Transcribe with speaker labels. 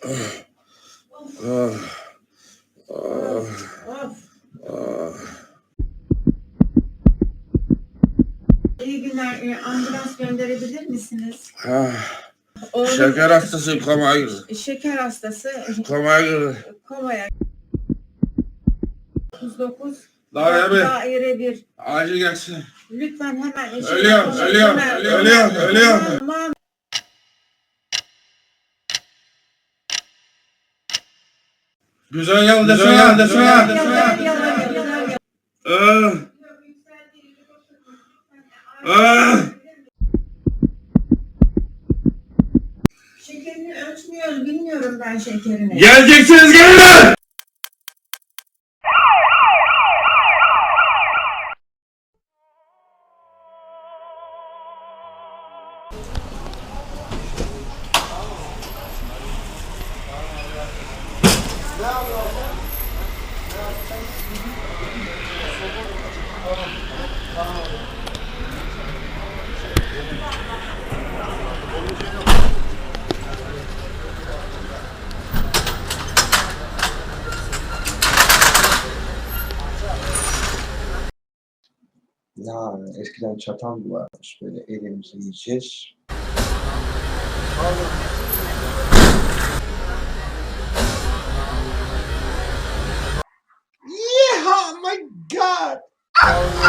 Speaker 1: İyi günler. Ambulans gönderebilir misiniz?
Speaker 2: Oğlum, şeker hastası komaya girdi.
Speaker 1: Şeker hastası
Speaker 2: Komaya girdi.
Speaker 1: komaya. 39
Speaker 2: Daire
Speaker 1: daire 1.
Speaker 2: Acil gelsin.
Speaker 1: Lütfen hemen
Speaker 2: Ölüyorum.
Speaker 1: Tamam.
Speaker 2: Güzel yıl desene.
Speaker 1: Şekerini ölçmüyoruz. Bilmiyorum ben şekerini.
Speaker 2: Geleceksiniz gelin.
Speaker 3: Ya eskiden çatal varmış, böyle elimize yiyeceğiz. Yeah, my God!